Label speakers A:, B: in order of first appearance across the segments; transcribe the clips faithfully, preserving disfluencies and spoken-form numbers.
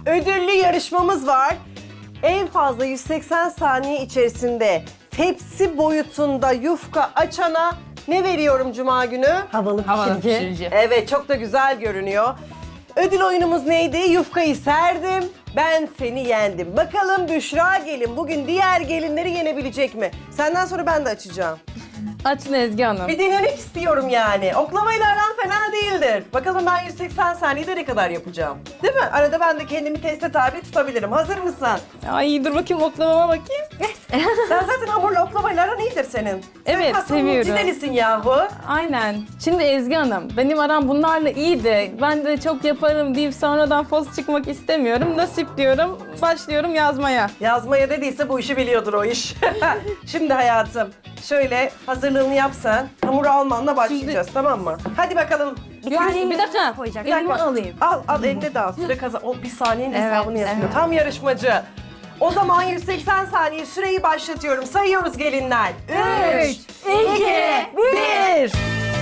A: ödüllü yarışmamız var. En fazla yüz seksen saniye içerisinde tepsi boyutunda yufka açana ne veriyorum Cuma günü?
B: Havalı
C: Havalı
B: pişirici.
C: pişirici.
A: Evet, çok da güzel görünüyor. Ödül oyunumuz neydi? Yufkayı serdim, ben seni yendim. Bakalım Büşra gelin bugün diğer gelinleri yenebilecek mi? Senden sonra ben de açacağım.
C: Açın Ezgi Hanım.
A: Bir denemek istiyorum yani. Oklamayla aran fena değildir. Bakalım ben yüz seksen saniyede ne kadar yapacağım. Değil mi? Arada ben de kendimi teste tabi tutabilirim. Hazır mısın?
C: Ay dur bakayım oklamama bakayım.
A: Sen zaten hamurla oklamayla aran iyidir senin.
C: Evet,
A: Sen
C: seviyorum.
A: Cidelisin yahu.
C: Aynen. Şimdi Ezgi Hanım, benim aram bunlarla iyi de ben de çok yaparım deyip sonradan fos çıkmak istemiyorum. Nasip diyorum, başlıyorum yazmaya.
A: Yazmaya dediyse bu işi biliyordur o iş. Şimdi hayatım şöyle hazırlığını yapsan hamuru almanla başlayacağız, tamam mı? Hadi bakalım.
B: Bir
C: Yok,
B: tane
C: bir dakika.
B: koyacak.
A: Bir dakika.
C: Elimi alayım.
A: Al al eline de al. Süre kazan. O bir saniyenin
C: Evet,
A: hesabını yapıyor.
C: evet.
A: Tam yarışmacı. O zaman yüz seksen saniye süreyi başlatıyorum. Sayıyoruz gelinler. Üç, iki, bir.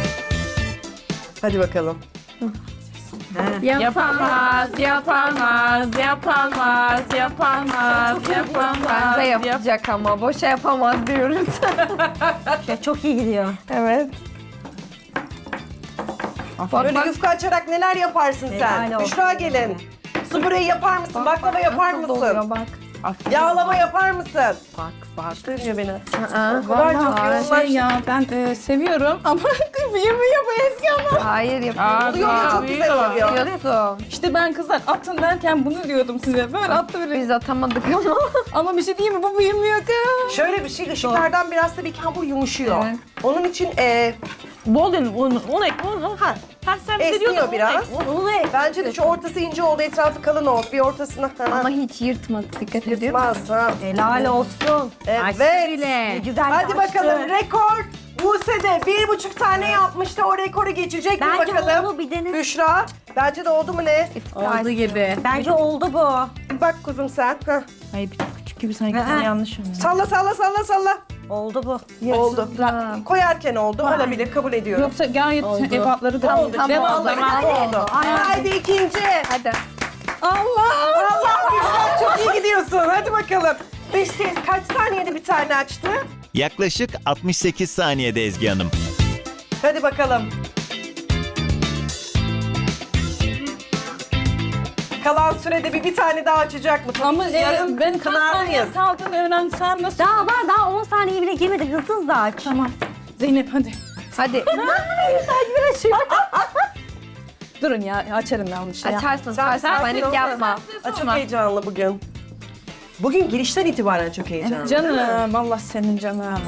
A: Hadi bakalım.
C: Yapamaz, yapamaz, yapamaz, yapamaz, yapamaz.
D: Bence yapacak ama boşa yapamaz diyoruz.
B: Şey, çok iyi gidiyor.
C: Evet.
A: Böyle yufka açarak neler yaparsın sen?
B: Helal olsun.
A: Büşra gelin. Su böreği yapar mısın? Baklava yapar
D: Nasıl
A: mısın?
D: doluyor bak.
A: Yağlama yapar mısın?
D: Bak bak.
A: Hiç duymuyor beni.
D: Aa,
A: O kadar çok
C: Vallahi
A: yoğunlaştı.
C: şey ya ben e, seviyorum ama yemiyor bu Ezgi Hanım.
D: Hayır yapıyor.
A: Oluyor ya, çok güzel oluyor.
D: Yapıyorsun.
C: İşte ben kızlar atın derken bunu diyordum size. Böyle attı böyle.
D: Biz atamadık ama.
C: Ama bir şey değil mi? Bu büyümüyor kız.
A: Şöyle bir şey, ışıklardan biraz tabii ki hamur yumuşuyor.
D: Evet.
A: Onun için e,
E: Bol un, un, un ek, un, un.
A: ha,
E: Ha, sen
A: esniyor
E: biliyordun,
A: biraz.
E: un ek.
A: Bence de şu ortası ince oldu, etrafı kalın oldu. Bir ortasına
D: Ama hiç yırtmadı. Dikkat ediyor musun?
A: yırtmaz ha.
B: Helal olsun.
A: Evet.
B: Ne güzel
A: Hadi
B: açtı.
A: bakalım, rekor. Buse de bir buçuk tane yapmıştı, o rekoru geçecek mi
B: Bence
A: bakalım?
B: oldu, bir dene.
A: Büşra, bence de oldu mu ne?
C: Oldu gibi.
B: Bence oldu bu.
A: Bak kuzum sen. Heh.
E: Hayır bir tık küçük gibi sanki
B: Aa.
E: yanlış oluyor.
A: Salla salla salla salla.
B: Oldu bu.
A: Oldu. Koyarken oldu, olabilir, kabul ediyorum.
C: Yoksa gayet ebatları da
D: Tamam, tamam,
C: Devam.
D: oldu.
A: Hadi oldu. Haydi ikinci.
D: Hadi.
C: Allah!
A: Allah Büşra çok iyi gidiyorsun. Hadi bakalım. Dış ses kaç saniyede bir tane açtı?
F: Yaklaşık altmış sekiz saniyede Ezgi Hanım.
A: Hadi bakalım. Kalan sürede bir, bir tane daha açacak mı? Tabii
C: Ama
A: ki
C: e,
A: yarın
C: ben kaç saniye
A: kınardayız.
C: kaldığını öğrensem nasıl?
B: Daha var, daha on saniye bile girmedi. Hızlı hızlı aç.
C: Tamam. Zeynep hadi.
D: Hadi.
C: Durun ya açarım ben bunu şey.
D: Açarsın.
A: Sen-
D: Açarsın.
A: sen-
D: Panik
A: sen-
D: yapma.
A: Aa, çok heyecanlı bugün. Bugün girişten itibaren çok heyecanlı.
C: Canım Allah senin canım.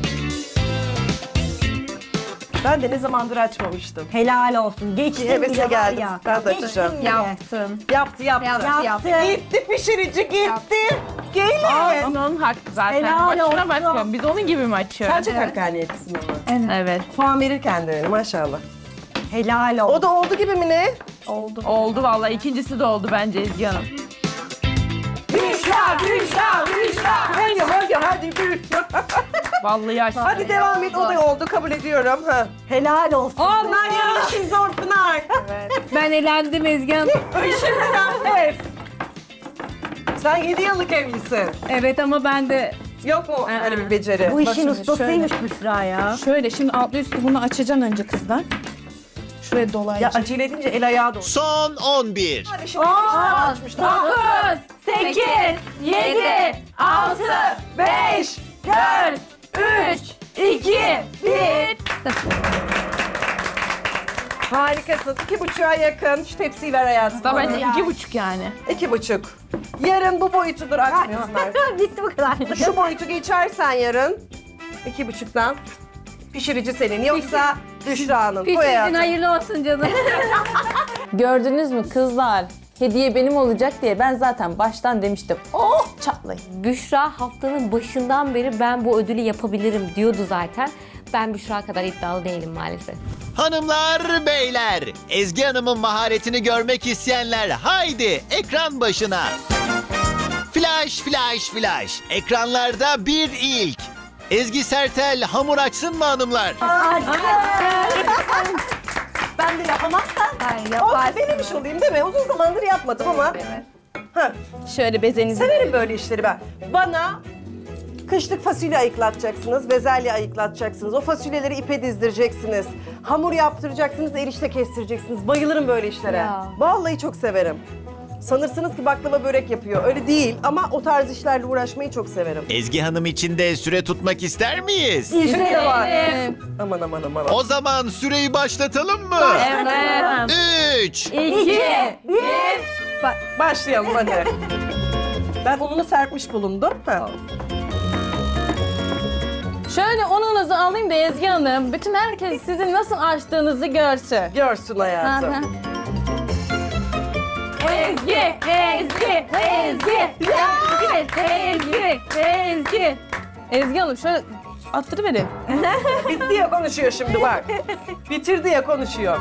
A: Ben de ne zamandır açmamıştım.
B: Helal olsun. Geçtin
A: Hevese
B: bile var
A: geldim.
B: ya.
A: Ben de
B: Geçtin
A: açacağım.
B: bile.
D: Yaptın.
A: Yaptı yaptı.
D: Yaptı, yaptı.
A: Gitti pişirici gitti. Gelin.
E: Ama onun hakkı zaten.
B: Helal
E: Başına
B: olsun.
E: bakmıyorum. Biz onun gibi mi açıyoruz?
A: Sen çok hakkaniyetlisin ama.
E: Evet.
A: Puan verirken de öyle maşallah.
B: Helal olsun.
A: O da oldu gibi mi ne?
E: Oldu. Oldu vallahi. İkincisi de oldu bence Ezgi Hanım.
A: Büşra, Büşra, Büşra. Hadi hadi hadi Büşra.
E: Vallahi açtı.
A: Hadi devam et, o da oldu, kabul ediyorum. Ha.
B: Helal olsun.
A: Pınar yanlış işin zor Pınar.
D: Ben elendim Ezgi Hanım.
A: Işın pes. Sen yedi yıllık evlisin.
C: Evet ama ben de
A: Yok mu öyle bir beceri?
B: Bu
C: Bak
B: işin
C: şimdi
B: ustasıymış Büşra ya.
C: şöyle şimdi altlı üstü bunu açacaksın önce kızlar. Şuraya
A: Ya
C: dolayacak.
A: acele edince el ayağı dolu.
F: Son on bir.
A: Hadi şimdi Büşra açmışlar.
E: dokuz, sekiz, yedi, altı, beş, dört, üç, iki, bir.
A: Harikasın. İki buçuğa yakın. Şu tepsiyi ver hayatım.
E: Da bence iki buçuk yani.
A: İki buçuk. Yarın bu boyutudur açmıyorlar.
B: Bitti bu kadar.
A: Şu boyutu geçersen yarın iki buçuktan pişirici senin. Yoksa Büşra'nın. Bu hayatım.
D: hayırlı olsun canım.
G: Gördünüz mü kızlar? Hediye benim olacak diye ben zaten baştan demiştim. Oh çatlayın.
H: Büşra haftanın başından beri ben bu ödülü yapabilirim diyordu zaten. Ben Büşra kadar iddialı değilim maalesef.
F: Hanımlar, beyler, Ezgi Hanım'ın maharetini görmek isteyenler haydi ekran başına. Flash, flash, flash. Ekranlarda bir ilk. Ezgi Sertel hamur açsın mı hanımlar?
A: Ben de yapamazsam
D: Hayır
A: olsun
D: yaparsın.
A: denemiş olayım değil mi? Uzun zamandır yapmadım ama Ha,
C: Şöyle bezenizi.
A: severim böyle işleri ben. Bana kışlık fasulye ayıklatacaksınız, bezelye ayıklatacaksınız. O fasulyeleri ipe dizdireceksiniz. Hamur yaptıracaksınız, erişte kestireceksiniz. Bayılırım böyle işlere.
H: Ya.
A: Vallahi çok severim. Sanırsınız ki baklava börek yapıyor. Öyle değil ama o tarz işlerle uğraşmayı çok severim.
F: Ezgi Hanım için de süre tutmak ister miyiz?
A: İzle de var. Aman aman aman.
F: O zaman süreyi başlatalım mı?
E: Evet.
F: Üç.
E: İki.
A: Başlayalım hadi. Ben ununu serpmiş bulundum. Ha.
C: Şöyle ununuzu alayım da Ezgi Hanım, bütün herkes sizin nasıl açtığınızı görsün.
A: Görsün hayatım.
C: Hı hı.
E: Ezgi. Ezgi. Ezgi. Ezgi. Ezgi. Ezgi.
C: Ezgi Hanım şöyle attırıverin.
A: Bitti ya konuşuyor şimdi bak. Bitirdi ya konuşuyor.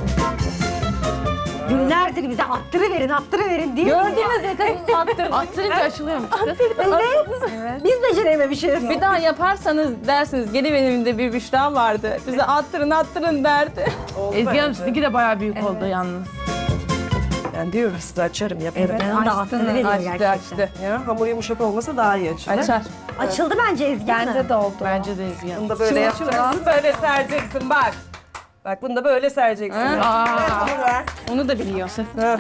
B: Günlerdir bize attırıverin, attırıverin diyor.
C: Gördünüz mü kızım attır.
E: Attırınca açılıyormuş.
B: Evet. Biz becerememişiz.
C: Bir daha yaparsanız dersiniz geri benim de bir Büşra vardı. Bize attırın attırın derdi.
A: Oldu
E: Ezgi Hanım
A: bence.
E: sizinki de bayağı büyük oldu yalnız.
A: Ben diyorum size açarım yaparım.
B: Ezgi'nin de attırıveriyor
C: Açtı
B: gerçekten.
C: açtı.
A: Ya hamur yumuşak olmasa daha iyi açılır.
C: Açar.
B: Açıldı bence Ezgi.
D: Bence de oldu.
E: Bence de Ezgi Hanım.
A: Bunu da böyle yapacaksın. Böyle sereceksin bak. Bak bunu da böyle sereceksin.
C: Ha.
A: Evet, hamur ver.
C: Onu da biliyor.
A: Ha.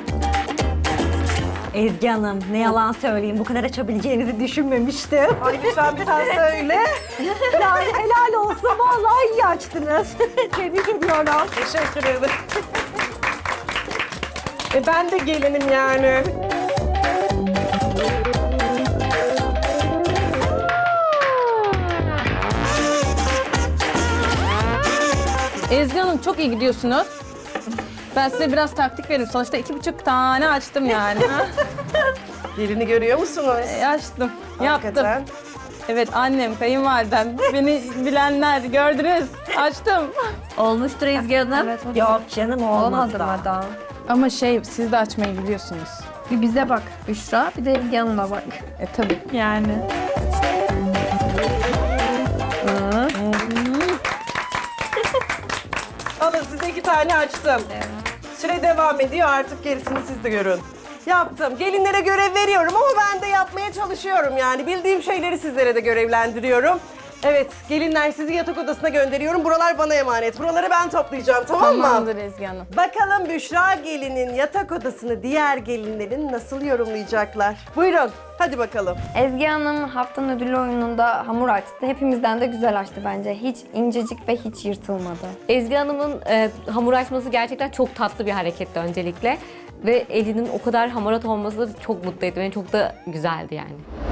B: Ezgi Hanım ne yalan söyleyeyim bu kadar açabileceğinizi düşünmemiştim.
A: Ay lütfen bir tane söyle.
B: Yani helal olsun vallahi iyi açtınız. Tebrik ediyorum.
A: Teşekkür ederim. e ben de gelinim yani.
C: Ezgi Hanım çok iyi gidiyorsunuz. Ben size biraz taktik veririm. Sonuçta iki buçuk tane açtım yani.
A: Gelini görüyor musunuz?
C: E, açtım. Yaptım.
A: Hakikaten.
C: Evet annem, kayınvalidem, beni bilenler gördünüz. Açtım.
D: Olmuştur Ezgi Hanım.
B: Yok canım olmaz
D: Olmadı
B: da.
D: mı daha?
C: Ama şey siz de açmayı biliyorsunuz.
D: Bir bize bak Büşra, bir de Ezgi Hanım'a bak.
C: E tabii.
E: Yani.
A: Alın size iki tane açtım. Süre devam ediyor artık gerisini siz de görün. Yaptım. Gelinlere görev veriyorum ama ben de yapmaya çalışıyorum yani. Bildiğim şeyleri sizlere de görevlendiriyorum. Evet, gelinler sizi yatak odasına gönderiyorum. Buralar bana emanet. Buraları ben toplayacağım, tamam mı?
C: Tamamdır Ezgi Hanım.
A: Bakalım Büşra gelinin yatak odasını diğer gelinlerin nasıl yorumlayacaklar? Buyurun, hadi bakalım.
I: Ezgi Hanım haftanın ödülü oyununda hamur açtı. Hepimizden de güzel açtı bence. Hiç incecik ve hiç yırtılmadı.
H: Ezgi Hanım'ın e, hamur açması gerçekten çok tatlı bir hareketti öncelikle. Ve elinin o kadar hamarat olması çok mutlu etti beni. Çok da güzeldi yani.